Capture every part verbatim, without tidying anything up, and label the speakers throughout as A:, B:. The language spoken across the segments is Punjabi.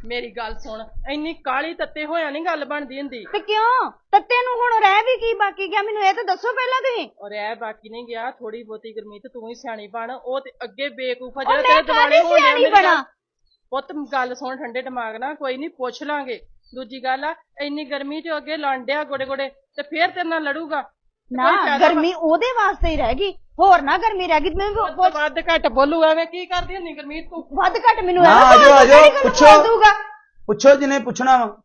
A: ਮੇਰੀ ਗੱਲ ਸੁਣ, ਇੰਨੀ ਕਾਲੀ ਤੱਤੇ ਹੋਇਆ ਨਹੀਂ ਗੱਲ ਬਣਦੀ ਹੁੰਦੀ।
B: ਤੇ ਕਿਉਂ ਤੱਤੇ ਨੂੰ ਹੁਣ ਰਹਿ ਵੀ ਕੀ ਬਾਕੀ ਗਿਆ, ਮੈਨੂੰ ਇਹ ਤਾਂ ਦੱਸੋ ਪਹਿਲਾਂ ਤੁਸੀਂ।
A: ਔਰ ਇਹ ਬਾਕੀ ਨਹੀਂ ਗਿਆ, ਥੋੜੀ ਬਹੁਤੀ ਗੁਰਮੀਤ ਤੂੰ ਹੀ ਸਿਆਣੀ ਬਣ। ਉਹ ਤੇ ਅੱਗੇ ਬੇਕੂਫਾ ਜਿਹੜਾ ਤੇਰੇ ਦਿਵਾਲੇ ਹੋਣ ਡਿਆ ਮੇਰੀ ਗੱਲ। ਪੁੱਤ ਗੱਲ ਸੁਣ ਠੰਡੇ ਦਿਮਾਗ ਨਾਲ, ਕੋਈ ਨਹੀਂ ਪੁੱਛ ਲਾਂਗੇ। ਦੂਜੀ ਗੱਲ ਆ, ਇੰਨੀ ਗਰਮੀ ਚ ਅੱਗੇ ਲੰਡਿਆ ਗੋਡੇ ਗੋਡੇ ਤੇ ਫੇਰ ਤੇਰੇ ਨਾਲ ਲੜੂਗਾ
B: ਨਾ। ਗਰਮੀ ਉਹਦੇ ਵਾਸਤੇ ਹੀ ਰਹਿ ਗਈ, ਹੋਰ ਨਾ ਗਰਮੀ ਰਹਿ ਗਈ। ਮੈਂ
A: ਵੱਧ ਘੱਟ ਬੋਲੂ, ਐਵੇਂ ਕੀ ਕਰਦੀ ਹੁੰਦੀ ਗੁਰਮੀਤ ਤੂੰ?
B: ਵੱਧ ਘੱਟ ਮੈਨੂੰ
C: ਆਜੋ ਆਜੋ ਪੁੱਛੋ ਪੁੱਛੋ ਜਿਹਨੇ ਪੁੱਛਣਾ ਵਾ।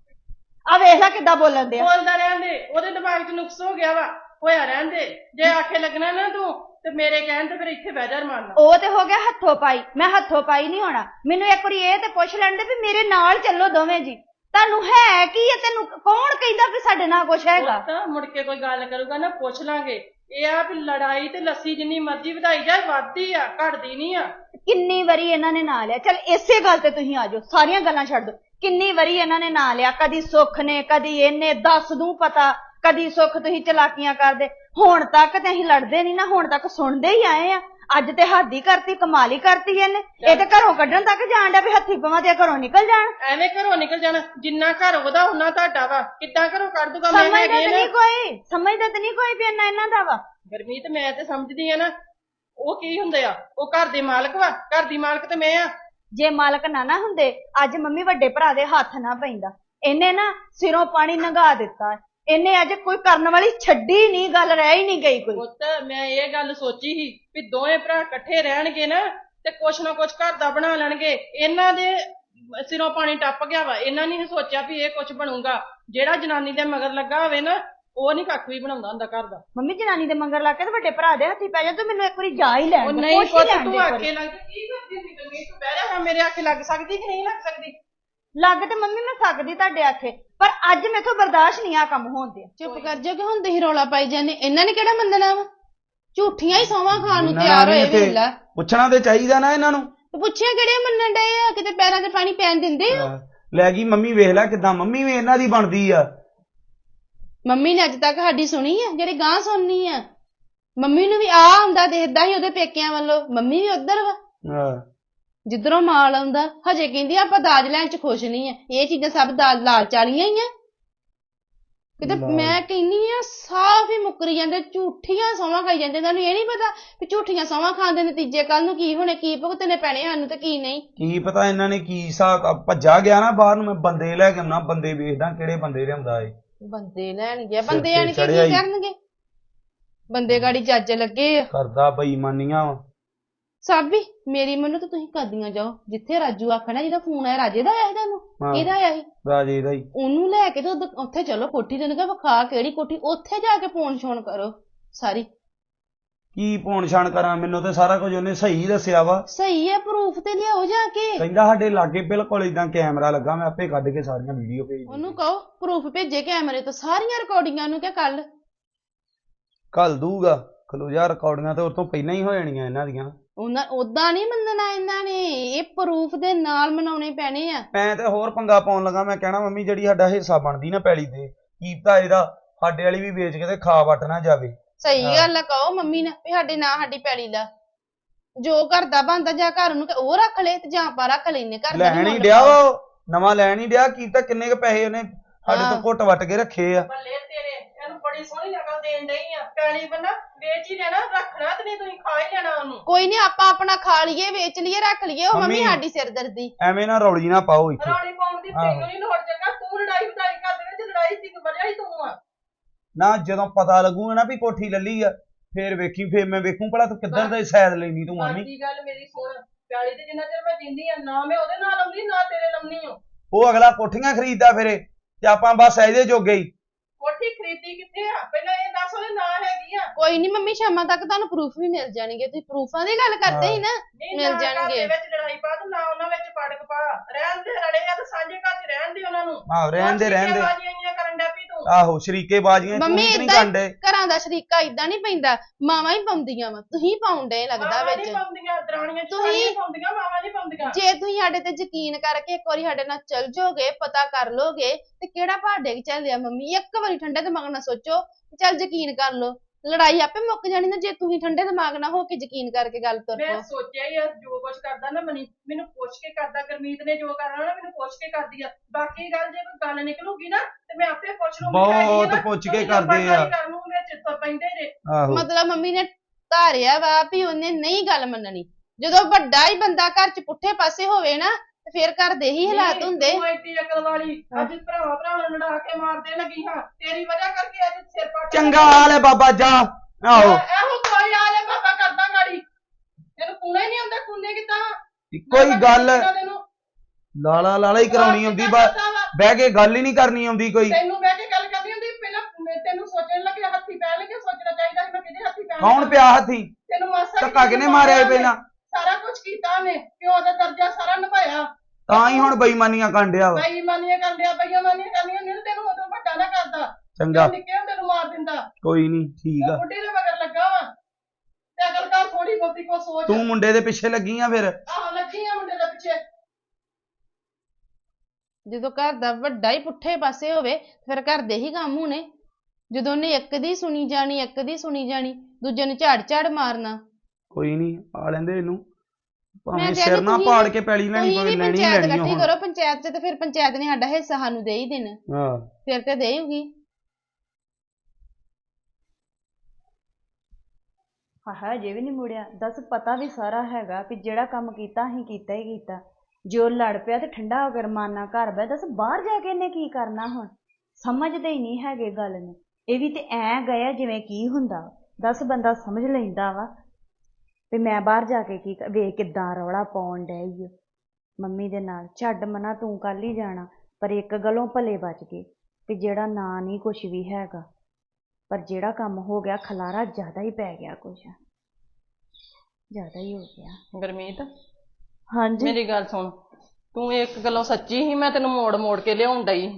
B: ਆ ਵੇਖ ਲੈ ਕਿੱਦਾਂ ਬੋਲਣ ਦੇ।
A: ਬੋਲਦਾ ਰਹਿਣ ਦੇ, ਉਹਦੇ ਦਿਮਾਗ 'ਚ ਨੁਕਸ ਹੋ ਗਿਆ ਵਾ, ਹੋਇਆ ਰਹਿਣ ਦੇ। ਜੇ ਆਖੇ ਲੱਗਣਾ ਨਾ ਤੂੰ ਤੇ ਮੇਰੇ ਕਹਿਣ ਤੇ ਫਿਰ ਇੱਥੇ ਬਹਿ ਜਾ ਰਮਾਨਾ।
B: ਉਹ ਤੇ ਹੋ ਗਿਆ ਹੱਥੋਂ ਪਾਈ, ਮੈਂ ਹੱਥੋਂ ਪਾਈ ਨਹੀਂ ਹੋਣਾ। ਮੈਨੂੰ ਇੱਕ ਵਾਰੀ ਇਹ ਤੇ ਪੁੱਛ ਲੈਣ ਦੇ ਵੀ ਮੇਰੇ ਨਾਲ ਚੱਲੋ ਦੋਵੇਂ ਜੀ, ਤੁਹਾਨੂੰ ਹੈ ਕੀ ਹੈ? ਤੈਨੂੰ ਕੌਣ ਕਹਿੰਦਾ ਵੀ ਸਾਡੇ ਨਾਲ ਕੁਛ ਹੈਗਾ?
A: ਤਾਂ ਮੁੜ ਕੇ ਕੋਈ ਗੱਲ ਕਰੂਗਾ ਨਾ ਪੁੱਛ ਲਾਂਗੇ। ਇਹ ਆ ਵੀ ਲੜਾਈ ਤੇ ਲੱਸੀ ਜਿੰਨੀ ਮਰਜ਼ੀ ਵਧਾਈ ਜਾਏ ਵੱਧਦੀ ਆ, ਘਟਦੀ ਨਹੀਂ ਆ।
B: ਕਿੰਨੀ ਵਾਰੀ ਇਹਨਾਂ ਨੇ ਨਾਂ ਲਿਆ, ਚੱਲ ਇਸੇ ਗੱਲ ਤੇ ਤੁਸੀਂ ਆ ਜਾਓ, ਸਾਰੀਆਂ ਗੱਲਾਂ ਛੱਡ ਦੋ। ਕਿੰਨੀ ਵਾਰੀ ਇਹਨਾਂ ਨੇ ਨਾਂ ਲਿਆ, ਕਦੀ ਸੁੱਖ ਨੇ, ਕਦੀ ਇਹਨੇ, ਦੱਸ ਦੂੰ ਪਤਾ, ਕਦੀ ਸੁੱਖ ਤੁਸੀਂ ਚਲਾਕੀਆਂ ਕਰਦੇ। ਹੁਣ ਤੱਕ ਤੇ ਅਸੀਂ ਲੜਦੇ ਨਹੀਂ ਨਾ, ਹੁਣ ਤੱਕ ਸੁਣਦੇ ਹੀ ਆਏ ਆ। ਅੱਜ ਤੇ ਹੱਦ ਹੀ ਕਰਤੀ, ਕਮਾਲ ਹੀ ਕਰਤੀ ਇਹਨੇ। ਇਹ ਤੇ ਘਰੋਂ ਕੱਢਣ ਤੱਕ ਜਾਣ ਡਿਆ ਵੀ ਹੱਥੀ ਪਵਾਂ ਤੇ ਘਰੋਂ ਨਿਕਲ ਜਾਣ।
A: ਐਵੇਂ ਘਰੋਂ ਨਿਕਲ ਜਾਣਾ, ਜਿੰਨਾ ਘਰ ਉਹਦਾ ਉਹਨਾਂ ਤੁਹਾਡਾ ਵਾ। ਕਿੱਦਾਂ ਘਰੋਂ ਕੱਢ ਦੂਗਾ? ਮੈਂ
B: ਸਮਝਦਾ ਤੇ ਨਹੀਂ ਕੋਈ, ਸਮਝਦਾ ਤੇ ਨਹੀਂ ਕੋਈ ਵੀ ਇੰਨਾ ਇਹਨਾਂ ਦਾ ਵਾ।
A: ਗੁਰਮੀਤ ਮੈਂ ਤੇ ਸਮਝਦੀ ਆ ਨਾ, ਉਹ ਕੀ ਹੁੰਦੇ ਆ? ਉਹ ਘਰ ਦੇ ਮਾਲਕ ਵਾ, ਘਰ ਦੀ ਮਾਲਕ ਤੇ ਮੈਂ ਆ।
B: ਜੇ ਮਾਲਕ ਨਾ ਨਾ ਹੁੰਦੇ ਅੱਜ ਮੰਮੀ ਵੱਡੇ ਭਰਾ ਦੇ ਹੱਥ ਨਾ ਪੈਂਦਾ। ਇਹਨੇ ਨਾ ਸਿਰੋਂ ਪਾਣੀ ਲੰਘਾ ਦਿੱਤਾ, ਇਹਨੇ ਅੱਜ ਕੋਈ ਕਰਨ ਵਾਲੀ ਛੱਡੀ ਨਹੀਂ, ਗੱਲ ਰਹਿ ਹੀ ਨਹੀਂ ਗਈ ਕੋਈ।
A: ਪੁੱਤ ਮੈਂ ਇਹ ਗੱਲ ਸੋਚੀ ਸੀ ਵੀ ਦੋਵੇਂ ਭਰਾ ਇਕੱਠੇ ਰਹਿਣਗੇ ਨਾ ਤੇ ਕੁਛ ਨਾ ਕੁਛ ਘਰ ਦਾ ਬਣਾ ਲੈਣਗੇ। ਇਹਨਾਂ ਦੇ ਸਿਰੋਂ ਪਾਣੀ ਟੱਪ ਗਿਆ ਵਾ, ਇਹਨਾਂ ਨੇ ਸੋਚਿਆ ਵੀ ਇਹ ਕੁਛ ਬਣੂਗਾ। ਜਿਹੜਾ ਜਨਾਨੀ ਦੇ ਮਗਰ ਲੱਗਾ ਹੋਵੇ ਨਾ, ਉਹ ਨਹੀਂ ਕੱਖ ਵੀ ਬਣਾਉਂਦਾ ਹੁੰਦਾ ਘਰ ਦਾ।
B: ਮੰਮੀ ਜਨਾਨੀ ਦੇ ਮੰਗਰ ਲਾ ਕੇ ਤੇ ਵੱਡੇ ਭਰਾ ਦੇ ਹੱਥੀ ਪੈ ਜਾ, ਤੂੰ ਮੈਨੂੰ ਇੱਕ ਵਾਰੀ ਜਾ ਹੀ ਲੈਣ ਦੇ।
A: ਨਹੀਂ ਪੁੱਤ ਤੂੰ ਆਖੇ ਲੱਗ ਕੀ ਕਰਦੀ ਹੁੰਦੀ ਗੁਰਮੀਤ? ਤੂੰ ਬਹਿ ਜਾ, ਮੇਰੇ ਆਖੇ ਲੱਗ ਸਕਦੀ ਕਿ ਨਹੀਂ ਲੱਗ ਸਕਦੀ?
B: ਲੱਗ ਤੇ ਮੰਮੀ ਮੈਂ ਸਕਦੀ ਤੁਹਾਡੇ ਆਖੇ, ਪਰ ਅੱਜ ਮੈਥੋਂ ਬਰਦਾਸ਼ਤ ਨਹੀਂ ਆ ਕੰਮ ਹੋਣ ਦੇ।
D: ਚੁੱਪ ਕਰ ਜਾ ਕਿ ਹੁਣ ਤੁਸੀਂ ਰੌਲਾ ਪਾਈ ਜਾਂਦੇ। ਇਹਨਾਂ ਨੇ ਕਿਹੜਾ ਮੰਨਣਾ ਵਾ? ਝੂਠੀਆਂ ਹੀ ਸੌਵਾਂ ਖਾਣ ਨੂੰ ਤਿਆਰ ਹੋਏ ਵੇਲਾ।
C: ਪੁੱਛਣਾ ਤੇ ਚਾਹੀਦਾ ਨਾ ਇਹਨਾਂ ਨੂੰ।
D: ਤੇ ਪੁੱਛਿਆ ਕਿਹੜੇ ਮੰਨਣ ਡਏ ਆ? ਕਿਤੇ ਪੈਰਾਂ ਤੇ ਪਾਣੀ ਪੈਣ ਦਿੰਦੇ ਆ?
C: ਲੈ ਗਈ ਮੰਮੀ, ਵੇਖ ਲੈ ਕਿਦਾਂ ਮੰਮੀ ਵੀ ਇਹਨਾਂ ਦੀ ਬਣਦੀ ਆ।
D: ਮੰਮੀ ਨੇ ਅੱਜ ਤੱਕ ਸਾਡੀ ਸੁਣੀ ਆ ਜਿਹੜੀ ਗਾਂ ਸੁਣਨੀ ਆ? ਮੰਮੀ ਨੂੰ ਵੀ ਆ ਹੁੰਦਾ ਦੇਖਦਾ ਸੀ ਉਹਦੇ ਪੇਕਿਆਂ ਵੱਲੋਂ, ਮੰਮੀ ਵੀ ਉਧਰ ਵਾ ਜਿੱਧਰੋਂ ਮਾਲ ਆਉਂਦਾ। ਹਜੇ ਕਹਿੰਦੀ ਆਪਾਂ ਦਾਜ ਲੈਣ ਚ ਖੁਸ਼ ਨਹੀਂ ਆ। ਇਹ ਚੀਜ਼ਾਂ ਸਭ ਦਾਜ ਲਾਲਚ ਵਾਲੀਆਂ ਹੀ ਆ। ਕਿਤੇ ਮੈਂ ਕਹਿੰਨੀ ਆ ਸਾਫ਼ ਹੀ ਮੁੱਕਰੀ ਜਾਂਦੇ, ਝੂਠੀਆਂ ਸੌਵਾਂ ਖਾਈ ਜਾਂਦੇ। ਤੁਹਾਨੂੰ ਇਹ ਨਹੀਂ ਪਤਾ ਵੀ ਝੂਠੀਆਂ ਸੌਵਾਂ ਖਾਣ ਦੇ ਨਤੀਜੇ ਕੱਲ ਨੂੰ ਕੀ ਹੋਣੇ, ਕੀ ਭੁਗਤਣੇ ਪੈਣੇ ਸਾਨੂੰ ਤੇ ਕੀ ਨਹੀਂ। ਕੀ
C: ਪਤਾ ਇਹਨਾਂ ਨੇ ਕੀ ਹਿਸਾਬ। ਭੱਜਾ ਗਿਆ ਨਾ ਬਾਹਰ ਨੂੰ, ਮੈਂ ਬੰਦੇ ਲੈ ਕੇ ਆਉਣਾ, ਬੰਦੇ ਵੇਖਦਾ ਕਿਹੜੇ ਬੰਦੇ ਲਿਆਉਂਦਾ ਏ।
D: ਬੰਦੇ ਲੈਣਗੇ, ਬੰਦੇ ਆਣ ਕੇ ਕੀ ਕਰਨਗੇ? ਬੰਦੇ ਗਾੜੀ ਜੱਜ ਲੱਗੇ ਆ
C: ਕਰਦਾ ਬੇਈਮਾਨੀਆਂ ਵਾ।
D: ਸਾਬੀ ਮੇਰੀ ਮੰਨੋ ਤਾਂ ਤੁਸੀਂ ਕਰਦੀਆਂ ਜਾਓ ਜਿੱਥੇ ਰਾਜੂ ਆਖਣਾ। ਜਿਹਦਾ ਫੋਨ ਆਇਆ ਰਾਜੇ ਦਾ ਆਇਆ ਤੁਹਾਨੂੰ? ਕਿਹਦਾ ਆਇਆ ਸੀ?
C: ਰਾਜੇ ਦਾ ਹੀ।
D: ਉਹਨੂੰ ਲੈ ਕੇ ਤੇ ਉੱਥੇ ਚਲੋ ਕੋਠੀ ਤੇ ਵਿਖਾ, ਕਿਹੜੀ ਕੋਠੀ? ਉੱਥੇ ਜਾ ਕੇ ਫੋਨ ਛੋਣ ਕਰੋ ਸਾਰੀ।
C: ਕੀ ਫੋਨ ਛਾਣ ਕਰਾਂ? ਮੈਨੂੰ ਤੇ ਸਾਰਾ ਕੁਝ ਉਹਨੇ ਸਹੀ ਦੱਸਿਆ ਵਾ।
D: ਸਹੀ ਹੈ, ਪ੍ਰੂਫ ਤੇ ਲਿਆਓ ਜਾ ਕੇ।
C: ਕਹਿੰਦਾ ਸਾਡੇ ਲਾਗੇ ਬਿਲਕੁਲ ਇਦਾਂ ਕੈਮਰਾ ਲੱਗਾ, ਮੈਂ ਆਪੇ ਕੱਢ ਕੇ ਸਾਰੀਆਂ ਵੀਡੀਓ ਭੇਜ ਦੂੰ।
D: ਉਹਨੂੰ ਕਹੋ ਪ੍ਰੂਫ ਭੇਜੇ ਕੈਮਰੇ ਤੋਂ, ਸਾਰੀਆਂ ਰਿਕਾਰਡਿੰਗਾਂ ਨੂੰ। ਕਿ ਕੱਲ
C: ਕੱਲ ਦੂਗਾ ਖਲੋ ਜਾ, ਰਿਕਾਰਡਿੰਗਾਂ ਤੇ ਉਹ ਤੋਂ ਪਹਿਲਾਂ ਹੀ ਹੋ ਜਾਣੀਆਂ ਇਹਨਾਂ ਦੀਆਂ।
D: ਉਹਨਾਂ ਉਦਾਂ ਨਹੀਂ ਮੰਨਣਾ ਇਹਨਾਂ ਨੇ, ਇਹ ਪ੍ਰੂਫ ਦੇ ਨਾਲ ਮਨਾਉਣੇ ਪੈਣੇ ਆ।
C: ਮੈਂ ਤੇ ਹੋਰ ਪੰਗਾ ਪਾਉਣ ਲੱਗਾ। ਮੈਂ ਕਹਿਣਾ ਮੰਮੀ ਜਿਹੜੀ ਸਾਡਾ ਹਿੱਸਾ ਬਣਦੀ ਨਾ ਪੈਲੀ ਤੇ, ਕੀਤਾ ਇਹਦਾ ਸਾਡੇ ਵਾਲੀ ਵੀ ਵੇਚ ਕੇ ਤੇ ਖਾ ਵੱਟ ਨਾ ਜਾਵੇ।
D: ਸਹੀ ਗੱਲ ਆ, ਕਹੋ ਮੰਮੀ ਨੇ ਵੀ ਸਾਡੇ ਨਾਂ ਸਾਡੀ ਪੈਲੀ ਲਾ। ਜੋ ਘਰ ਦਾ ਬਣਦਾ ਜਾਂ ਘਰ ਨੂੰ ਉਹ ਰੱਖ ਲੈ ਤੇ ਜਾਂ ਆਪਾਂ ਰੱਖ ਲੈਨੇ। ਘਰ ਦਾ
C: ਲੈਣ ਹੀ ਡਿਆ ਵਾ, ਨਵਾਂ ਲੈਣ ਹੀ ਡਿਆ। ਕੀਤਾ ਕਿੰਨੇ ਕ ਪੈਸੇ ਉਹਨੇ ਸਾਡੇ ਤੋਂ ਘੁੱਟ ਵੱਟ ਕੇ ਰੱਖੇ ਆ।
A: ਬੱਲੇ ਤੇਰੇ, ਇਹਨੂੰ ਬੜੀ ਸੋਹਣੀ ਅਕਲ ਦੇਣ ਡਈ ਆ। ਪੈਲੀ ਬੰਨਾ ਵੇਚ ਹੀ ਲੈਣਾ, ਰੱਖਣਾ ਤੇ ਨਹੀਂ ਤੁਸੀਂ ਖਾ ਹੀ ਲੈਣਾ ਉਹਨੂੰ।
D: ਕੋਈ ਨਹੀਂ, ਆਪਾਂ ਆਪਣਾ ਖਾ ਲਈਏ, ਵੇਚ ਲਈਏ, ਰੱਖ ਲਈਏ। ਉਹ ਮੰਮੀ ਸਾਡੀ ਸਿਰਦਰਦੀ।
C: ਐਵੇਂ ਨਾ ਰੌਲੀ ਨਾ ਪਾਓ ਇੱਥੇ।
A: ਰੌਲੀ ਪਾਉਣ ਦੀ ਤੈਨੂੰ ਨਹੀਂ ਲੋੜ। ਚੰਗਾ ਤੂੰ ਲੜਾਈ ਵਧਾਈ ਘਰ ਦੇ ਵਿੱਚ, ਲੜਾਈ ਸੀ ਵਜ੍ਹਾ ਹੀ ਤੂੰ ਆ
C: ਨਾ। ਜਦੋਂ ਪਤਾ ਲੱਗੂਗਾ ਨਾ ਵੀ ਕੋਠੀ ਲੱਲੀ ਆ, ਫੇਰ ਵੇਖੀ, ਫੇਰ ਮੈਂ ਵੇਖੂ ਭਲਾ ਤੂੰ ਕਿੱਧਰ ਦਾ ਸਾਈਡ ਲੈਣੀ ਤੂੰ ਮੰਮੀ।
A: ਕੀ ਗੱਲ ਮੇਰੀ ਸੁਣ, ਪੈਲੀ ਤੇ ਜਿੰਨਾ ਚਿਰ ਮੈਂ ਜਿੰਦੀ ਆ ਨਾ ਮੈਂ ਉਹਦੇ ਨਾਲ ਆਉਂਦੀ ਨਾ ਤੇਰੇ ਲੰਮਣੀ ਹੋ।
C: ਉਹ ਅਗਲਾ ਕੋਠੀਆਂ ਖਰੀਦਦਾ ਫਿਰੇ ਤੇ ਆਪਾਂ ਬਸ ਇਹਦੇ ਜੋਗੇ ਹੀ।
A: ਕੋਠੀ ਖਰੀਦੀ ਕਿੱਥੇ ਆ? ਪਹਿਲਾਂ ਇਹ ਦੱਸ ਉਹਦੇ ਨਾਂ ਹੈਗੀ ਆ?
D: ਕੋਈ ਨਹੀਂ ਮੰਮੀ, ਸ਼ਾਮਾਂ ਤੱਕ ਤੁਹਾਨੂੰ ਪ੍ਰੂਫ ਵੀ ਮਿਲ ਜਾਣਗੇ। ਤੁਸੀਂ ਪ੍ਰੂਫਾਂ ਦੀ ਗੱਲ ਕਰਦੇ ਸੀ ਨਾ, ਮਿਲ ਜਾਣਗੇ।
A: ਵਿੱਚ ਲੜਾਈ ਪਾ ਤੇ ਨਾ ਉਹਨਾਂ ਵਿੱਚ ਪੜਕ ਪਾ। ਰਹਿਣ ਦੇ, ਰਲੇ ਆ ਤੇ ਸਾਂਝੇ ਘਰ ਚ ਰਹਿਣ ਦੇ ਉਹਨਾਂ ਨੂੰ।
C: ਆਹੋ ਰਹਿਣ ਦੇ, ਰਹਿਣ ਦੇ।
A: ਕਰਨ ਡੈ ਪਈ ਤੂੰ।
C: ਆਹੋ ਸ਼ਰੀਕੇ ਬਾਜੀਆਂ
D: ਮੰਮੀ ਏਦਾਂ ਘਰਾਂ ਦਾ ਸ਼ਰੀਕਾ ਇਦਾਂ ਨਹੀਂ ਪੈਂਦਾ, ਮਾਵਾਂ ਹੀ ਪਾਉਂਦੀਆਂ ਵਾ। ਤੁਸੀਂ ਪਾਉਂਦੇ ਲੱਗਦਾ ਵਿੱਚ।
A: ਤੁਸੀਂ ਪਾਉਂਦੀਆਂ, ਮਾਵਾਂ ਨਹੀਂ ਪਾਉਂਦੀਆਂ।
D: ਜੇ ਤੁਸੀਂ ਸਾਡੇ ਤੇ ਯਕੀਨ ਕਰਕੇ ਇੱਕ ਵਾਰੀ ਸਾਡੇ ਨਾਲ ਚੱਲ ਜਾਓਗੇ, ਪਤਾ ਕਰ ਲੋਗੇ ਤੇ ਕਿਹੜਾ ਭਾਡੇ ਚੱਲਿਆ ਮੰਮੀ। ਇੱਕ ਵਾਰੀ ਠੰਡੇ ਦਿਮਾਗ ਨਾਲ ਸੋਚੋ, ਚੱਲ ਯਕੀਨ ਕਰ ਲੋ। ਲੜਾਈ ਆਪੇ ਮੁੱਕ ਜਾਣੀ ਨਾ ਜੇ ਤੁਸੀਂ ਠੰਡੇ ਦਿਮਾਗ ਨਾਲ ਹੋ ਕੇ ਯਕੀਨ ਕਰਕੇ ਗੱਲ ਤੁਰ
A: ਮੈਂ
D: ਪਓ।
A: ਸੋਚਿਆ ਹੀ ਆ ਜੋ ਕੁਝ ਕਰਦਾ ਨਾ ਮਨੀ ਮੈਨੂੰ ਪੁੱਛ ਕੇ ਕਰਦਾ, ਗੁਰਮੀਤ ਨੇ ਜੋ ਕਰਨਾ ਨਾ ਮੈਨੂੰ ਪੁੱਛ ਕੇ ਕਰਦੀ ਆ। ਬਾਕੀ ਗੱਲ ਜੇ ਕੋਈ ਗੱਲ ਨਿਕਲੂਗੀ ਨਾ ਤੇ ਮੈਂ ਆਪੇ ਪੁੱਛ ਲੂੰਗੀ।
C: ਬਹੁਤ ਪੁੱਛ ਕੇ ਕਰਦੇ ਆ।
A: ਕਰਨ ਨੂੰ ਵਿੱਚ ਤੁਰ ਪੈਂਦੇ ਨੇ।
C: ਆਹੋ
D: ਮਤਲਬ ਮੰਮੀ ਨੇ ਧਾਰਿਆ ਵਾ ਵੀ ਉਹਨੇ ਨਹੀਂ ਗੱਲ ਮੰਨਣੀ। ਜਦੋਂ ਵੱਡਾ ਹੀ ਬੰਦਾ ਘਰ ਚ ਪੁੱਠੇ ਪਾਸੇ ਹੋਵੇ ਨਾ ਤੇ ਫਿਰ ਘਰ ਦੇ ਹੀ ਹਾਲਾਤ ਹੁੰਦੇ।
A: ਤੂੰ ਐਡੀ ਅਕਲ ਵਾਲੀ ਅੱਜ ਭਰਾ ਭਰਾ ਨੂੰ ਲੜਾ ਕੇ ਮਾਰਦੇ ਲੱਗੀ ਹਾਂ, ਤੇਰੀ ਵਜ੍ਹਾ ਕਰਕੇ ਅੱਜ ਸਿਰ ਪੱਟ
C: ਚੰਗਾ ਹਾਲ ਹੈ ਬਾਬਾ ਜਾ। ਆਹੋ
A: ਇਹੋ ਕੋਈ ਹਾਲ ਹੈ ਬਾਬਾ ਕਰਦਾ ਗਾੜੀ। ਤੈਨੂੰ ਕੂਣਾ ਹੀ ਨਹੀਂ ਆਉਂਦਾ, ਕੂਨੇ ਕਿੱਦਾਂ
C: ਕੋਈ ਗੱਲ
A: ਤੈਨੂੰ
C: ਲਾਲਾ ਲਾਲਾ ਹੀ ਕਰਾਉਣੀ ਹੁੰਦੀ, ਬਸ ਬਹਿ ਕੇ ਗੱਲ ਹੀ ਨਹੀਂ ਕਰਨੀ ਆਉਂਦੀ ਕੋਈ।
A: ਤੈਨੂੰ ਬਹਿ ਕੇ ਗੱਲ ਕਰਨੀ ਹੁੰਦੀ। ਪਹਿਲਾਂ ਤੈਨੂੰ ਸੋਚਣ ਲੱਗੇ ਹੱਥੀ ਪੈ ਲੱਗੇ, ਸੋਚਣਾ ਚਾਹੀਦਾ ਸੀ ਮੈਂ ਕਿਹਦੇ ਹੱਥੀ ਪੈਣਾ।
C: ਕੌਣ ਪਿਆ ਹੱਥੀ?
A: ਤੈਨੂੰ ਮਾਸਾ
C: ਧੱਕਾ ਕਿਹਨੇ ਮਾਰਿਆ ਸੀ ਪਹਿਲਾਂ?
A: ਸਾਰਾ ਕੁਝ ਕੀਤਾ ਉਹਨੇ, ਪਿਓ ਦਾ ਦਰਜਾ ਸਾਰਾ ਨਿਭਾਇਆ।
C: ਤਾਂ ਹੀ ਹੁਣ ਬੇਈਮਾਨੀਆਂ ਕਾਂਡਿਆ ਵਾ।
A: ਬੇਈਮਾਨੀਆਂ ਕਰਨ ਡਿਆ, ਬੇਈਮਾਨੀਆਂ ਕਰਨੀਆਂ ਹੁੰਦੀਆਂ ਤੈਨੂੰ ਉਦੋਂ ਵੱਡਾ ਨਾ ਕਰਦਾ।
C: ਚੰਗਾ
A: ਨਿੱਕੇ ਹੁੰਦੇ ਨੂੰ ਮਾਰ ਦਿੰਦਾ।
C: ਕੋਈ ਨਹੀਂ ਠੀਕ ਆ।
A: ਬੁੱਢੀ ਦੇ ਮਗਰ ਲੱਗਾ ਵਾ ਤੇ ਅਕਲ ਕਰ ਥੋੜੀ ਬਹੁਤੀ ਕੋ ਸੋਚ।
C: ਤੂੰ ਮੁੰਡੇ ਦੇ ਪਿੱਛੇ ਲੱਗੀ ਆ ਫਿਰ?
A: ਆਹ ਲੱਗੀ ਆ ਮੁੰਡੇ ਦੇ ਪਿੱਛੇ।
D: ਜਦੋਂ ਘਰ ਦਾ ਵੱਡਾ ਹੀ ਪੁੱਠੇ ਪਾਸੇ ਹੋਵੇ ਫਿਰ ਘਰ ਦੇ ਹੀ ਕੰਮ ਹੋਣੇ। ਜਦੋਂ ਉਹਨੇ ਇੱਕ ਦੀ ਸੁਣੀ ਜਾਣੀ ਇੱਕ ਦੀ ਸੁਣੀ ਜਾਣੀ ਦੂਜੇ ਨੂੰ ਝਾੜ ਝਾੜ ਮਾਰਨਾ।
C: ਕੋਈ ਨਹੀਂ ਆ ਲੈਂਦੇ ਇਹਨੂੰ, ਭਾਵੇਂ
D: ਮੈਂ
C: ਸਿਰ ਨਾ ਪਾੜ ਕੇ ਪੈਲੀ ਲੈਣੀ
D: ਤੁਸੀਂ
C: ਪਵੇ,
D: ਵੀ
C: ਲੈਣੀ
D: ਪੰਚਾਇਤ
C: ਲੈਣੀ
D: ਇਕੱਠੀ
C: ਹੁਣ।
D: ਕਰੋ ਪੰਚਾਇਤ ਚ ਤੇ ਫਿਰ ਪੰਚਾਇਤ ਨੇ ਸਾਡਾ ਹਿੱਸਾ ਸਾਨੂੰ ਦੇ ਹੀ ਦੇਣਾ।
C: ਹਾਂ
D: ਫਿਰ ਤੇ ਦੇਊਗੀ।
B: ਹਾਂ ਜੇ ਵੀ ਨਹੀਂ ਮੁੜਿਆ। ਦੱਸ ਪਤਾ ਵੀ ਸਾਰਾ ਹੈਗਾ ਵੀ ਜਿਹੜਾ ਕੰਮ ਕੀਤਾ ਅਸੀਂ ਕੀਤਾ ਹੀ ਕੀਤਾ। ਜੋ ਲੜ ਪਿਆ ਤੇ ਠੰਡਾ ਹੋ ਕੇ ਰਮਾਨਾ ਘਰ ਬੈ। ਦੱਸ ਬਾਹਰ ਜਾ ਕੇ ਇਹਨੇ ਕੀ ਕਰਨਾ ਹੁਣ? ਸਮਝਦੇ ਹੀ ਨਹੀਂ ਹੈਗੇ ਗੱਲ ਨੂੰ। ਇਹ ਵੀ ਤੇ ਐ ਗਿਆ ਜਿਵੇਂ ਕੀ ਹੁੰਦਾ। ਦੱਸ ਬੰਦਾ ਸਮਝ ਲੈਂਦਾ ਵਾ ਵੀ ਮੈਂ ਬਾਹਰ ਜਾ ਕੇ ਕੀ ਵੇਖ ਕਿੱਦਾਂ ਰੌਲਾ ਪਾਉਣ ਡਈ ਓ ਮੰਮੀ ਦੇ ਨਾਲ। ਛੱਡ ਮਨਾ ਤੂੰ ਕੱਲ ਹੀ ਜਾਣਾ, ਪਰ ਇੱਕ ਗੱਲੋਂ ਭਲੇ ਬਚ ਗਏ ਤੇ ਜਿਹੜਾ ਨਾ ਨਹੀਂ ਕੁਛ ਵੀ ਹੈਗਾ, ਪਰ ਜਿਹੜਾ ਕੰਮ ਹੋ ਗਿਆ ਖਲਾਰਾ ਜ਼ਿਆਦਾ ਹੀ ਪੈ ਗਿਆ, ਕੁਛ ਜ਼ਿਆਦਾ ਹੀ ਹੋ ਗਿਆ।
A: ਗੁਰਮੀਤ
B: ਹਾਂਜੀ
A: ਮੇਰੀ ਗੱਲ ਸੁਣ, ਤੂੰ ਇੱਕ ਗੱਲੋਂ ਸੱਚੀ ਸੀ, ਮੈਂ ਤੈਨੂੰ ਮੋੜ ਮੋੜ ਕੇ ਲਿਆਉਣ ਡਈ।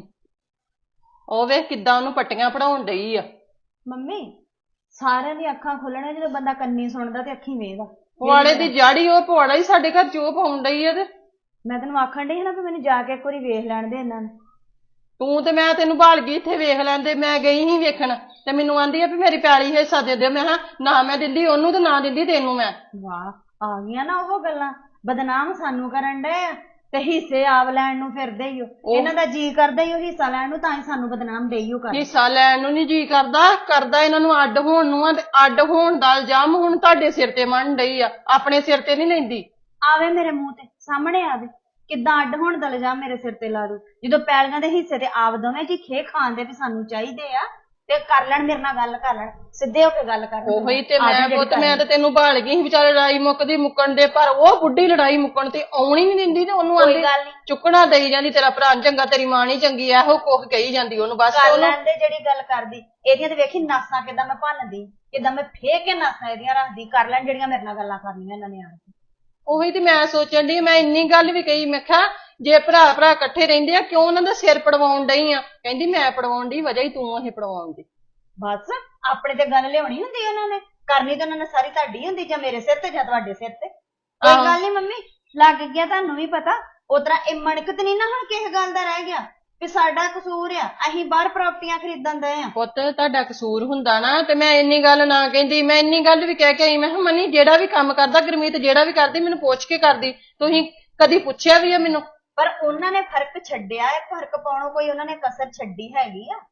A: ਉਹ ਵੇਖ ਕਿੱਦਾਂ ਉਹਨੂੰ ਪੱਟੀਆਂ ਪੜਾਉਣ ਡਈ ਆ।
B: ਮੰਮੀ ਸਾਰਿਆਂ ਦੀਆਂ ਅੱਖਾਂ ਖੁੱਲਣਾ ਜਦੋਂ ਬੰਦਾ ਕੰਨੀ ਸੁਣਦਾ ਤੇ ਅੱਖੀਂ ਵੇਖਦਾ।
A: ਪੁਆੜੇ ਦੀ ਜਾੜੀ ਉਹ ਪੁਆੜਾ ਹੀ ਸਾਡੇ ਘਰ ਚੋਪ ਆਉਣ ਡਈ ਆ। ਤੇ
B: ਮੈਂ ਤੈਨੂੰ ਆਖਣ ਡਈ ਨਾ ਵੀ ਮੈਨੂੰ ਜਾ ਕੇ ਇੱਕ ਵਾਰੀ ਵੇਖ ਲੈਣ ਦੇ ਇਹਨਾਂ ਨੂੰ।
A: ਤੂੰ ਤੇ ਮੈਂ ਤੈਨੂੰ ਭਾਲ ਗਈ ਇੱਥੇ ਵੇਖ ਲੈਂਦੇ। ਮੈਂ ਗਈ ਸੀ ਵੇਖਣ ਤੇ ਮੈਨੂੰ ਆਂਦੀ ਆ ਵੀ ਮੇਰੀ ਪੈਲੀ ਹਿੱਸਾ ਦੇ ਦਿਓ। ਮੈਂ ਕਿਹਾ ਨਾ ਮੈਂ ਦਿੰਦੀ ਉਹਨੂੰ ਤੇ ਨਾ ਦਿੰਦੀ ਤੈਨੂੰ ਮੈਂ।
B: ਵਾਹ ਆ ਗਈਆਂ ਨਾ ਉਹ ਗੱਲਾਂ। ਬਦਨਾਮ ਸਾਨੂੰ ਕਰਨ ਡਏ ਆ ਤੇ ਹਿੱਸੇ ਆਪ ਲੈਣ ਨੂੰ ਫਿਰਦੇ ਹੀ ਹੋ। ਇਹਨਾਂ ਦਾ ਜੀ ਕਰਦਾ ਹੀ ਉਹ ਹਿੱਸਾ ਲੈਣ ਨੂੰ, ਤਾਂ ਹੀ ਸਾਨੂੰ ਬਦਨਾਮ ਦੇਈਓ ਕਰ।
A: ਹਿੱਸਾ ਲੈਣ ਨੂੰ ਨਹੀਂ ਜੀ ਕਰਦਾ, ਕਰਦਾ ਇਹਨਾਂ ਨੂੰ ਅੱਡ ਹੋਣ ਨੂੰ ਆ। ਤੇ ਅੱਡ ਹੋਣ ਦਾ ਇਲਜ਼ਾਮ ਹੁਣ ਤੁਹਾਡੇ ਸਿਰ ਤੇ ਮੰਨ ਡਈ ਆ, ਆਪਣੇ ਸਿਰ ਤੇ ਨਹੀਂ ਲੈਂਦੀ।
B: ਆਵੇ ਮੇਰੇ ਮੂੰਹ ਤੇ ਸਾਹਮਣੇ ਆਵੇ ਕਿੱਦਾਂ ਅੱਡ ਹੋਣ ਦਾ ਇਲਜ਼ਾਮ ਮੇਰੇ ਸਿਰ ਤੇ ਲਾ ਦੂ। ਜਦੋਂ ਪੈਲੀਆਂ ਦੇ ਹਿੱਸੇ ਤੇ ਆਪ ਦੋਵੇਂ ਜੀ ਖੇ ਖਾਂਦੇ ਵੀ ਸਾਨੂੰ ਚਾਹੀਦੇ ਆ ਤੇ ਕਰ ਲੈਣ, ਮੇਰੇ ਨਾਲ ਗੱਲ ਕਰ ਲੈਣ, ਸਿੱਧੇ ਹੋ ਕੇ ਗੱਲ ਕਰ ਲੈਣ।
A: ਉਹੀ ਤੇ ਮੈਂ ਪੁੱਤ ਮੈਂ ਤੇ ਤੈਨੂੰ ਭਾਲ ਗਈ ਸੀ ਵਿਚਾਰੇ ਲੜਾਈ ਮੁੱਕਦੀ ਮੁੱਕਣ ਦੇ, ਪਰ ਉਹ ਬੁੱਢੀ ਲੜਾਈ ਮੁੱਕਣ ਤੇ ਆਉਣੀ ਨਹੀਂ ਦਿੰਦੀ ਤੇ ਉਹਨੂੰ ਆਂਦੀ ਚੁੱਕਣਾ ਦੇਈ ਜਾਂਦੀ। ਤੇਰਾ ਭਰਾ ਚੰਗਾ, ਤੇਰੀ ਮਾਂ ਨਹੀਂ ਚੰਗੀ, ਇਹੋ ਕੁਝ ਕਹੀ ਜਾਂਦੀ ਉਹਨੂੰ। ਬਸ
B: ਕਰ ਲੈਂਦੇ ਜਿਹੜੀ ਗੱਲ ਕਰਦੀ। ਇਹਦੀਆਂ ਤੇ ਵੇਖੀ ਨਾਸਾਂ ਕਿੱਦਾਂ ਮੈਂ ਭੰਨਦੀ, ਕਿੱਦਾਂ ਮੈਂ ਫੇਕ ਕੇ ਨਾਸਾਂ ਇਹਦੀਆਂ ਰੱਖਦੀ। ਕਰ ਲੈਣ ਜਿਹੜੀਆਂ ਮੇਰੇ ਨਾਲ ਗੱਲਾਂ ਕਰਨੀਆਂ ਇਹਨਾਂ ਨੇ ਆਣ ਕੇ।
A: ਉਹੀ ਤੇ ਮੈਂ ਸੋਚਣ ਡਈ, ਮੈਂ ਇੰਨੀ ਗੱਲ ਵੀ ਕਹੀ, ਮੈਂ ਕਿਹਾ ਜੇ ਭਰਾ ਭਰਾ ਇਕੱਠੇ ਰਹਿੰਦੇ ਆ ਕਿਉਂ ਉਹਨਾਂ ਦਾ ਸਿਰ ਪੜਵਾਉਣ ਡਈ ਆ? ਕਹਿੰਦੀ ਮੈਂ ਪੜਵਾਉਣ ਦੀ ਵਜ੍ਹਾ ਹੀ ਤੂੰ ਇਹ ਪੜਵਾਉਣ ਦੀ।
B: ਬਸ ਆਪਣੇ ਤੇ ਗੱਲ ਲਿਆਉਣੀ ਹੁੰਦੀ ਉਹਨਾਂ ਨੇ, ਕਰਨੀ ਤਾਂ ਉਹਨਾਂ ਨੇ ਸਾਰੀ ਤੁਹਾਡੀ ਹੁੰਦੀ, ਜਾਂ ਮੇਰੇ ਸਿਰ ਤੇ ਜਾਂ ਤੁਹਾਡੇ ਸਿਰ ਤੇ। ਕੋਈ ਗੱਲ ਨਹੀਂ ਮੰਮੀ, ਲੱਗ ਗਿਆ ਤੁਹਾਨੂੰ ਵੀ ਪਤਾ। ਉਸ ਤਰ੍ਹਾਂ ਇਹ ਮਣਕਤ ਨਹੀਂ ਨਾ ਹੁਣ ਕਿਸੇ ਗੱਲ ਦਾ ਰਹਿ ਗਿਆ ਵੀ ਸਾਡਾ ਕਸੂਰ ਆ, ਅਸੀਂ ਬਾਹਰ ਪ੍ਰਾਪਰਟੀਆਂ ਖਰੀਦਣ ਦਏ ਆ।
A: ਪੁੱਤ ਤੁਹਾਡਾ ਕਸੂਰ ਹੁੰਦਾ ਨਾ ਤੇ ਮੈਂ ਇੰਨੀ ਗੱਲ ਨਾ ਕਹਿੰਦੀ। ਮੈਂ ਇੰਨੀ ਗੱਲ ਵੀ ਕਹਿ ਕੇ ਆਈ, ਮੈਂ ਕਿਹਾ ਮਨੀ ਜਿਹੜਾ ਵੀ ਕੰਮ ਕਰਦਾ ਗੁਰਮੀਤ ਜਿਹੜਾ ਵੀ ਕਰਦੀ ਮੈਨੂੰ ਪੁੱਛ ਕੇ ਕਰਦੀ। ਤੁਸੀਂ ਕਦੀ ਪੁੱਛਿਆ ਵੀ ਆ ਮੈਨੂੰ?
B: ਪਰ ਉਹਨਾਂ ਨੇ ਫਰਕ ਛੱਡਿਆ ਹੈ, ਫਰਕ ਪਾਉਣੋਂ ਕੋਈ ਉਹਨਾਂ ਨੇ ਕਸਰ ਛੱਡੀ ਹੈਗੀ ਆ?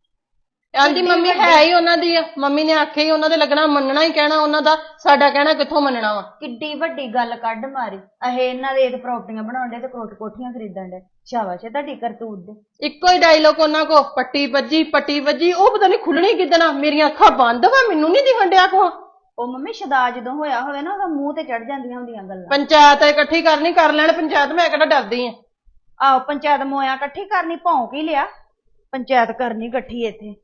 A: ਆਂਦੀ ਮੰਮੀ ਹੈ ਹੀ ਉਹਨਾਂ ਦੀ ਆ, ਮੰਮੀ ਨੇ ਆਖਿਆ ਹੀ ਉਹਨਾਂ ਦੇ ਲੱਗਣਾ, ਮੰਨਣਾ ਹੀ ਕਹਿਣਾ ਉਹਨਾਂ ਦਾ, ਸਾਡਾ ਕਹਿਣਾ ਕਿੱਥੋਂ ਮੰਨਣਾ ਵਾ।
B: ਕਿੱਡੀ ਵੱਡੀ ਗੱਲ ਕੱਢ ਮਾਰੀ। ਅਹੇ ਇਹਨਾਂ ਦੇ ਇਹ ਪ੍ਰਾਪਰਟੀਆਂ ਬਣਾਉਣ ਦੇ ਤੇ ਕੋਠ ਕੋਠੀਆਂ ਖਰੀਦਣ ਦੇ। ਸ਼ਾਬਾਸ਼ ਹੈ ਤੁਹਾਡੀ ਕਰਤੂਤ ਦੇ।
A: ਇੱਕੋ ਹੀ ਡਾਇਲੋਗ ਉਹਨਾਂ ਕੋ, ਪੱਟੀ ਵੱਜੀ ਪੱਟੀ ਵੱਜੀ। ਉਹ ਪਤਾ ਨਹੀਂ ਖੁੱਲਣੀ ਕਿੱਦਣਾ, ਮੇਰੀਆਂ ਅੱਖਾਂ ਬੰਦ ਵਾ, ਮੈਨੂੰ ਨਹੀਂ ਦਿਖਣ ਡਿਆ ਕੋ।
B: ਉਹ ਮੰਮੀ ਸ਼ਦਾ ਜਦੋਂ ਹੋਇਆ ਹੋਵੇ ਨਾ ਉਹਦਾ ਮੂੰਹ ਤੇ ਚੜ ਜਾਂਦੀਆਂ ਹੁੰਦੀਆਂ ਗੱਲਾਂ।
A: ਪੰਚਾਇਤ ਇਕੱਠੀ ਕਰਨੀ ਕਰ ਲੈਣ ਪੰਚਾਇਤ, ਮੈਂ ਕਿਹੜਾ ਡਰਦੀ ਆ।
B: ਆਹੋ ਪੰਚਾਇਤ ਮੋਇਆ ਇਕੱਠੀ ਕਰਨੀ, ਭੌਂਕ ਹੀ ਲਿਆ। ਪੰਚਾਇਤ ਕਰਨੀ ਇਕੱਠੀ ਇੱਥੇ।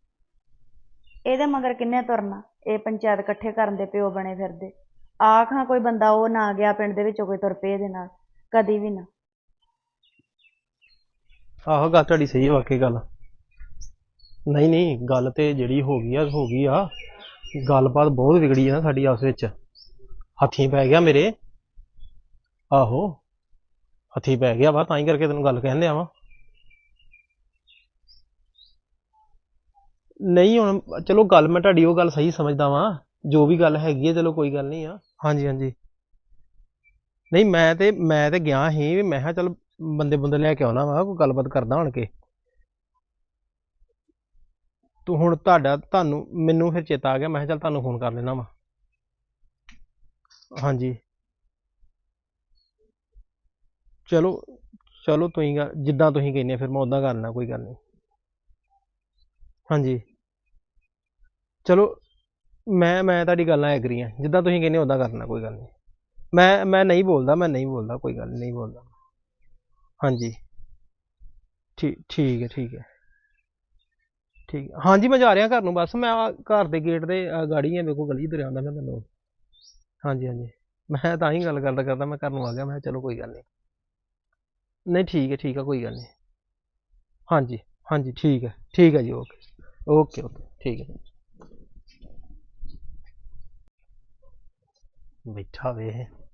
B: ਇਹਦੇ ਮਗਰ ਕਿੰਨੇ ਤੁਰਨਾ? ਇਹ ਪੰਚਾਇਤ ਇਕੱਠੇ ਕਰਨ ਦੇ ਪਿਓ ਬਣੇ ਫਿਰਦੇ। ਆਖਾਂ ਕੋਈ ਬੰਦਾ ਉਹ ਨਾ ਗਿਆ ਪਿੰਡ ਦੇ ਵਿੱਚੋਂ ਕੋਈ ਤੁਰ ਪਏ ਇਹਦੇ ਨਾਲ, ਕਦੀ ਵੀ ਨਾ।
E: ਆਹੋ ਗੱਲ ਤੁਹਾਡੀ ਸਹੀ ਹੈ, ਵਾਕਈ ਗੱਲ। ਨਹੀਂ ਨਹੀਂ ਗੱਲ ਤੇ ਜਿਹੜੀ ਹੋ ਗਈ ਆ ਹੋ ਗਈ ਆ। ਗੱਲਬਾਤ ਬਹੁਤ ਵਿਗੜੀ ਆ ਨਾ ਸਾਡੀ ਆਪਸ ਵਿੱਚ। ਹੱਥੀਂ ਪੈ ਗਿਆ ਮੇਰੇ। ਆਹੋ ਹੱਥੀਂ ਪੈ ਗਿਆ ਵਾ, ਤਾਂ ਹੀ ਕਰਕੇ ਤੈਨੂੰ ਗੱਲ ਕਹਿਣ ਲਿਆ ਵਾ। ਨਹੀਂ ਹੁਣ ਚਲੋ ਗੱਲ ਮੈਂ ਤੁਹਾਡੀ ਉਹ ਗੱਲ ਸਹੀ ਸਮਝਦਾ ਵਾਂ ਜੋ ਵੀ ਗੱਲ ਹੈਗੀ ਹੈ ਚਲੋ ਕੋਈ ਗੱਲ ਨਹੀਂ ਆ ਹਾਂਜੀ ਹਾਂਜੀ ਨਹੀਂ ਮੈਂ ਤੇ ਮੈਂ ਤੇ ਗਿਆ ਸੀ ਵੀ ਮੈਂ ਕਿਹਾ ਚੱਲ ਬੰਦੇ ਬੰਦੇ ਲੈ ਕੇ ਆਉਣਾ ਵਾ ਕੋਈ ਗੱਲਬਾਤ ਕਰਦਾ ਹੁਣ ਕੇ ਤੂੰ ਹੁਣ ਤੁਹਾਡਾ ਤੁਹਾਨੂੰ ਮੈਨੂੰ ਫਿਰ ਚੇਤਾ ਆ ਗਿਆ ਮੈਂ ਕਿਹਾ ਚੱਲ ਤੁਹਾਨੂੰ ਫੋਨ ਕਰ ਲੈਣਾ ਵਾ ਹਾਂਜੀ ਚਲੋ ਚਲੋ ਤੁਸੀਂ ਗੱਲ- ਜਿੱਦਾਂ ਤੁਸੀਂ ਕਹਿੰਦੇ ਫਿਰ ਮੈਂ ਉਦਾਂ ਕਰ ਲੈਣਾ ਕੋਈ ਗੱਲ ਨਹੀਂ ਹਾਂਜੀ ਚਲੋ ਮੈਂ ਮੈਂ ਤੁਹਾਡੀ ਗੱਲ ਨਾਲ ਐਗਰੀ ਹਾਂ ਜਿੱਦਾਂ ਤੁਸੀਂ ਕਹਿੰਦੇ ਉਦਾਂ ਕਰਨਾ ਕੋਈ ਗੱਲ ਨਹੀਂ ਮੈਂ ਮੈਂ ਨਹੀਂ ਬੋਲਦਾ ਮੈਂ ਨਹੀਂ ਬੋਲਦਾ ਕੋਈ ਗੱਲ ਨਹੀਂ ਬੋਲਦਾ ਹਾਂਜੀ ਠੀਕ ਠੀਕ ਹੈ ਠੀਕ ਹੈ ਠੀਕ ਹੈ। ਹਾਂਜੀ ਮੈਂ ਜਾ ਰਿਹਾ ਘਰ ਨੂੰ ਬਸ ਮੈਂ ਆਹ ਘਰ ਦੇ ਗੇਟ ਦੇ ਆਹ ਗਾੜੀ ਹੈ ਮੇਰੇ ਕੋਲ ਗਲੀ ਤੁਰਿਆ ਆਉਂਦਾ ਮੈਂ ਤੁਹਾਨੂੰ ਹਾਂਜੀ ਹਾਂਜੀ ਮੈਂ ਤਾਂ ਹੀ ਗੱਲ ਕਰਦਾ ਕਰਦਾ ਮੈਂ ਘਰ ਨੂੰ ਆ ਗਿਆ ਮੈਂ ਕਿਹਾ ਚਲੋ ਕੋਈ ਗੱਲ ਨਹੀਂ ਨਹੀਂ ਠੀਕ ਹੈ ਠੀਕ ਹੈ ਕੋਈ ਗੱਲ ਨਹੀਂ ਹਾਂਜੀ ਹਾਂਜੀ ਠੀਕ ਹੈ ਠੀਕ ਹੈ ਜੀ ਓਕੇ ਓਕੇ ਓਕੇ ਠੀਕ ਹੈ ਬੈਠਾ ਵੇ